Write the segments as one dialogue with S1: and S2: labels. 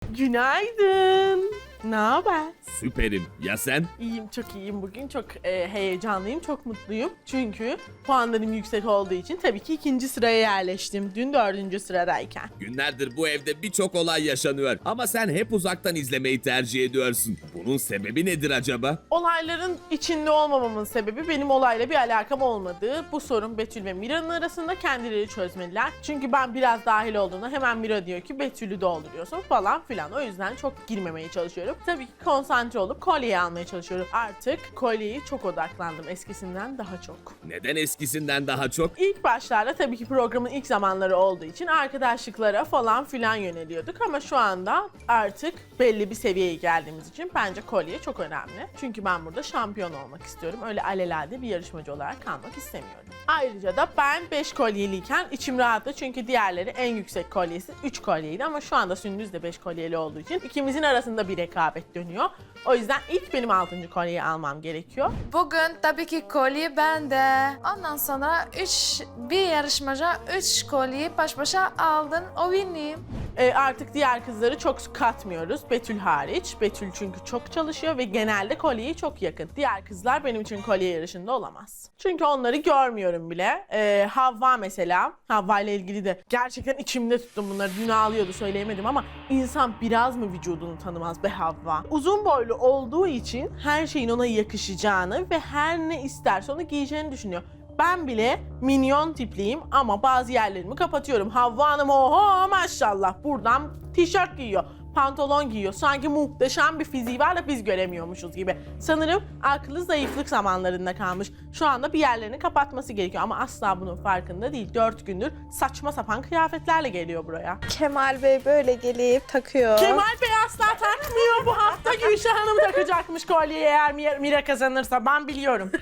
S1: Günaydın. Ne haber?
S2: Süperim. Ya sen?
S1: İyiyim, çok iyiyim bugün. Çok heyecanlıyım, çok mutluyum. Çünkü puanlarım yüksek olduğu için tabii ki 2. sıraya yerleştim. Dün 4. sıradayken.
S2: Günlerdir bu evde birçok olay yaşanıyor. Ama sen hep uzaktan izlemeyi tercih ediyorsun. Bunun sebebi nedir acaba?
S1: Olayların içinde olmamamın sebebi benim olayla bir alakam olmadığı. Bu sorun Betül ve Mira'nın arasında, kendileri çözmeliler. Çünkü ben biraz dahil olduğunda hemen Mira diyor ki Betül'ü dolduruyorsun falan filan. O yüzden çok girmemeye çalışıyorum. Tabii ki konsantre olup kolyeyi almaya çalışıyorum. Artık kolyeyi çok odaklandım, eskisinden daha çok.
S2: Neden eskisinden daha çok?
S1: İlk başlarda tabii ki programın ilk zamanları olduğu için arkadaşlıklara falan filan yöneliyorduk ama şu anda artık belli bir seviyeye geldiğimiz için bence kolye çok önemli. Çünkü ben burada şampiyon olmak istiyorum. Öyle alelade bir yarışmacı olarak kalmak istemiyorum. Ayrıca da ben 5 kolyeliyken içim rahattı çünkü diğerleri en yüksek kolyesi 3 kolyeydi ama şu anda Sündüz de 5 kolyeli olduğu için ikimizin arasında bir rekabet dönüyor. O yüzden ilk benim 6. kolyeyi almam gerekiyor.
S3: Bugün tabii ki kolye bende. Ondan sonra bir yarışmacı 3 kolyeyi baş başa aldın. O benim.
S1: Artık diğer kızları çok katmıyoruz. Betül hariç. Betül çünkü çok çalışıyor ve genelde kolyeye çok yakın. Diğer kızlar benim için kolye yarışında olamaz. Çünkü onları görmüyorum bile. Havva mesela. Havva ile ilgili de gerçekten içimde tuttum bunları. Dün ağlıyordu, söyleyemedim ama insan biraz mı vücudunu tanımaz be Havva? Uzun boylu olduğu için her şeyin ona yakışacağını ve her ne isterse onu giyeceğini düşünüyor. Ben bile minyon tipliyim ama bazı yerlerimi kapatıyorum. Havva Hanım oho maşallah buradan tişört giyiyor, pantolon giyiyor. Sanki muhteşem bir fiziği var da biz göremiyormuşuz gibi. Sanırım aklı zayıflık zamanlarında kalmış. Şu anda bir yerlerini kapatması gerekiyor ama asla bunun farkında değil. 4 gündür saçma sapan kıyafetlerle geliyor buraya.
S4: Kemal Bey böyle gelip takıyor.
S1: Kemal Bey asla takmıyor bu hafta. Gülşah Hanım takacakmış kolyeyi eğer Mira kazanırsa. Ben biliyorum.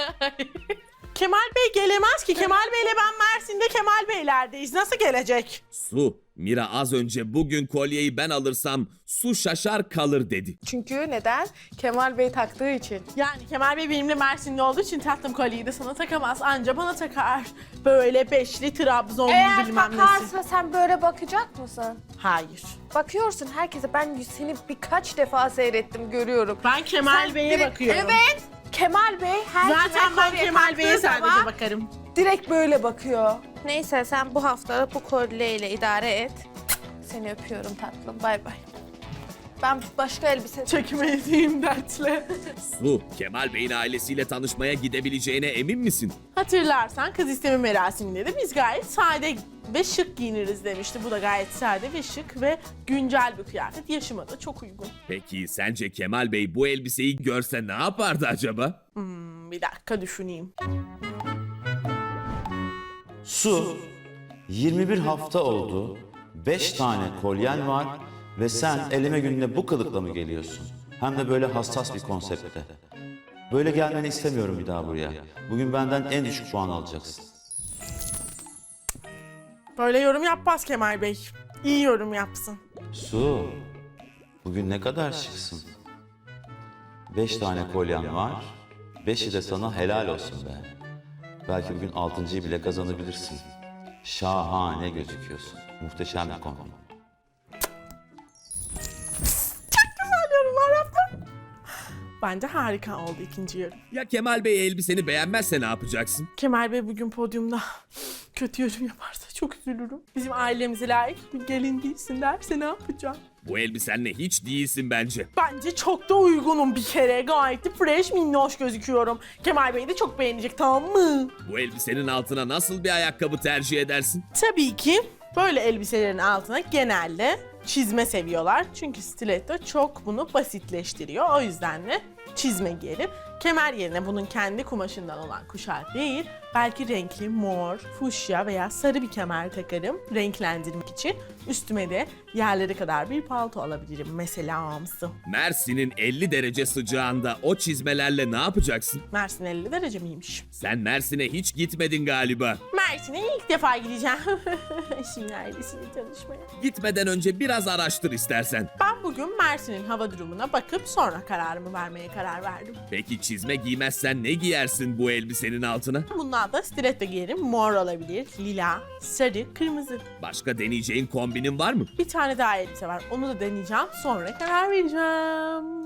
S1: Kemal Bey gelemez ki. Kemal Bey'le ben Mersin'de Kemal Beyler'deyiz. Nasıl gelecek?
S2: Su. Mira az önce bugün kolyeyi ben alırsam su şaşar kalır dedi.
S4: Çünkü neden? Kemal Bey taktığı için.
S1: Yani Kemal Bey benimle Mersinli olduğu için tatlım kolyeyi de sana takamaz. Anca bana takar. Böyle beşli Trabzon
S4: Eğer
S1: bilmem nesi.
S4: takarsa sen böyle bakacak mısın?
S1: Hayır.
S4: Bakıyorsun herkese. Ben seni birkaç defa seyrettim, görüyorum.
S1: Ben Kemal
S4: Sen
S1: Bey'e
S4: direkt-
S1: bakıyorum.
S4: Evet. Kemal Bey herkese
S1: Zaten ben
S4: kolye
S1: Kemal Bey'e
S4: taktığı
S1: sadece
S4: zaman
S1: bakarım.
S4: direkt böyle bakıyor. Neyse sen bu hafta bu kolyeyle idare et. Seni öpüyorum tatlım. Bay bay. Ben başka elbise...
S1: Çekmediğim dertle.
S2: Su. Kemal Bey'in ailesiyle tanışmaya gidebileceğine emin misin?
S1: Hatırlarsan kız isteme merasiminde de biz gayet sade ve şık giyiniriz demişti. Bu da gayet sade ve şık ve güncel bir kıyafet. Yaşıma da çok uygun.
S2: Peki sence Kemal Bey bu elbiseyi görse ne yapardı acaba?
S1: Bir dakika düşüneyim.
S5: Su, 21 hafta oldu, 5 tane kolyen var ve sen eleme gününe bu kılıkla mı geliyorsun? Hem de böyle hassas bir konseptte. Böyle gelmeni istemiyorum bir daha buraya. Bugün benden en düşük puan alacaksın.
S1: Böyle yorum yapmaz Kemal Bey. İyi yorum yapsın.
S5: Su, bugün ne kadar şıksın. 5 tane kolyen var, 5'i de sana helal olsun be. Belki bugün 6.'yı bile kazanabilirsin. Şahane gözüküyorsun. Muhteşem bir kombin.
S1: Güzel yorumlar yaptım. Bence harika oldu ikinci yorum.
S2: Ya Kemal Bey elbiseni beğenmezse ne yapacaksın?
S1: Kemal Bey bugün podyumda kötü yorum yaparsa çok üzülürüm. Bizim ailemize layık bir gelin değilsin derse ne yapacağım?
S2: Bu elbisenle hiç değilsin bence.
S1: Bence çok da uygunum bir kere. Gayet de fresh minnoş gözüküyorum. Kemal Bey de çok beğenecek, tamam mı?
S2: Bu elbisenin altına nasıl bir ayakkabı tercih edersin?
S1: Tabii ki böyle elbiselerin altına genelde çizme seviyorlar. Çünkü stiletto çok bunu basitleştiriyor. O yüzden de çizme giyerim. Kemer yerine bunun kendi kumaşından olan kuşak değil, belki renkli mor, fuşya veya sarı bir kemer takarım renklendirmek için. Üstüme de yerlere kadar bir palto alabilirim mesela amsı.
S2: Mersin'in 50 derece sıcağında o çizmelerle ne yapacaksın?
S1: Mersin 50 derece miymiş?
S2: Sen Mersin'e hiç gitmedin galiba.
S1: Mersin'e ilk defa gideceğim. Şimdi ailesiyle tanışmaya.
S2: Gitmeden önce biraz araştır istersen.
S1: Ben bugün Mersin'in hava durumuna bakıp sonra kararımı vermeye karar verdim.
S2: Peki çizme giymezsen ne giyersin bu elbisenin altına?
S1: Bundan da stiletto giyerim. Mor olabilir, lila, sarı, kırmızı.
S2: Başka deneyeceğin kombinin var mı?
S1: Bir tane daha elbise var. Onu da deneyeceğim. Sonra karar vereceğim.